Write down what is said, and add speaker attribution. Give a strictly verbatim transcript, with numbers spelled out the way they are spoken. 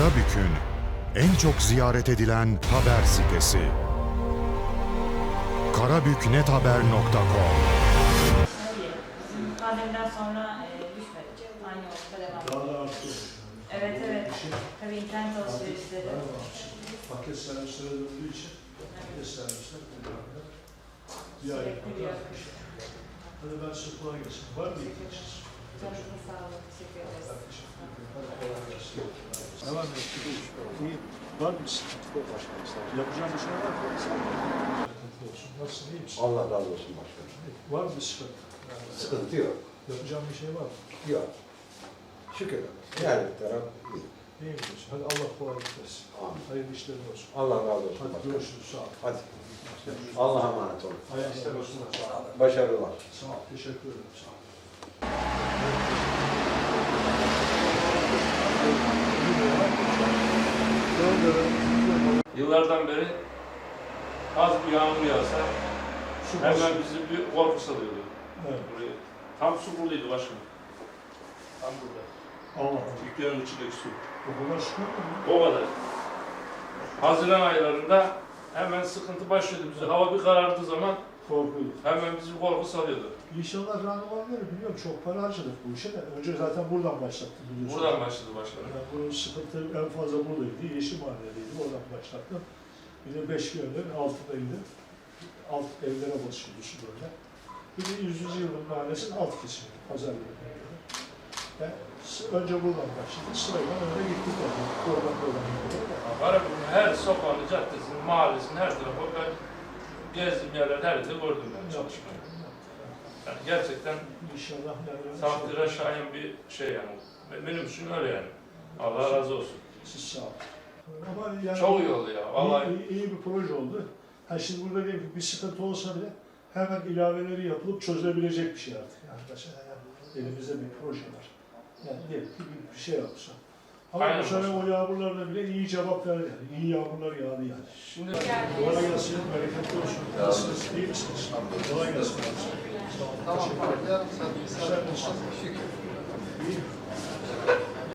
Speaker 1: Karabük'ün en çok ziyaret edilen haber sitesi. karabüknethaber nokta com.
Speaker 2: Pandemiden sonra e, düşmedi. Aynı yolda devam ediyor.
Speaker 3: Daha da arttı.
Speaker 2: Evet evet. Tabii internet alışverişleri.
Speaker 3: Paket servisleri döndüğü için paket servisler kullanıyor. Bir ay
Speaker 2: Sürekli bir
Speaker 3: kadar.
Speaker 2: akış.
Speaker 3: Hadi ben size kolay gelsin. Var mı ihtiyacınız?
Speaker 2: Canınıza sağlık. Teşekkür ederiz.
Speaker 3: Ben teşekkür ederim. Hadi kolay gelsin. Devam et. İyi. Var mı sıkıntı? Yapacağım bir şey var mı? Sıkıntı olsun. Nasılsın? İyi misin?
Speaker 4: Allah razı olsun başkanım.
Speaker 3: Var mı bir sıkıntı?
Speaker 4: Sıkıntı yok.
Speaker 3: Yapacağım bir şey var mı?
Speaker 4: Yok. Şükür. Her taraf iyi.
Speaker 3: İyi misin? Hadi Allah kolaylık versin.
Speaker 4: Amin.
Speaker 3: Hayırlı işlerin olsun.
Speaker 4: Allah razı olsun
Speaker 3: Hadi
Speaker 4: başkanım.
Speaker 3: görüşürüz. Sağ ol.
Speaker 4: Hadi. Allah'a emanet olun.
Speaker 3: Hayırlı işler olsun. Sağ ol.
Speaker 4: Başarılar.
Speaker 3: Sağ ol. Teşekkür ederim. Sağ ol.
Speaker 5: Yıllardan beri az bir yağmur yağsa
Speaker 3: Su
Speaker 5: hemen
Speaker 3: basıyor.
Speaker 5: bizi bir korku salıyordu.
Speaker 3: Evet.
Speaker 5: Buraya. Tam su buradaydı başkanım. Tam burada.
Speaker 3: Allah Allah.
Speaker 5: Dükkanın içindeki su.
Speaker 3: O kadar sıkıntı mı?
Speaker 5: O kadar. Haziran aylarında hemen sıkıntı başlıyordu bize. Hava bir karardığı zaman
Speaker 3: Korkuyordu.
Speaker 5: hemen bizi bir korku salıyordu.
Speaker 3: İnşallah randıman verir. Biliyorum çok para harcadık bu işe de. Önce zaten buradan başlattım biliyorsun.
Speaker 5: Buradan başladı başkanım.
Speaker 3: Yani bunun sıkıntı en fazla buradaydı. Yeşil Mahalle'deydi. Oradan başlattım. Bir de beş gönderin altındaydı. Alt evlere basıyordu su böyle. Bir de yüzüncü yılın mahallesinin alt kesimi. Pazar yerine göre. Yani önce buradan başladı. Sırayla öyle gittik. Yani. Oradan buradan gittik.
Speaker 5: Karabük'ün her sokağını, caddesini, mahallesini, her tarafı ben gezdiğim yerlerde her yerde gördüm ben çalışmayı. Yani gerçekten
Speaker 3: İnşallah yani.
Speaker 5: takdire şayan bir şey yani. Benim için öyle yani. Allah razı olsun.
Speaker 3: Siz sağ olun. Ama yani
Speaker 5: Çok iyi oldu ya. Vallahi
Speaker 3: iyi, iyi, iyi bir proje oldu. Ha şimdi burada diyelim ki bir sıkıntı olsa bile hemen ilaveleri yapılıp çözülebilecek bir şey artık. Yani mesela yani elimizde bir proje var. Yani diyelim ki bir, bir şey yapsa. Ama
Speaker 5: Aynen
Speaker 3: bu sene
Speaker 5: başkanım.
Speaker 3: o yağmurlarla bile iyi cevap verdi yani. İyi yağmurlar yağdı yani.
Speaker 5: şimdi
Speaker 3: Kolay gelsin, bereketli olsun. Nasılsınız, iyi misiniz? Kolay gelsin. Sağ olun.
Speaker 6: Tamam,
Speaker 3: Teşekkür ederim.
Speaker 6: yarım saat, bir saat.
Speaker 3: Güzel olsun. İyi.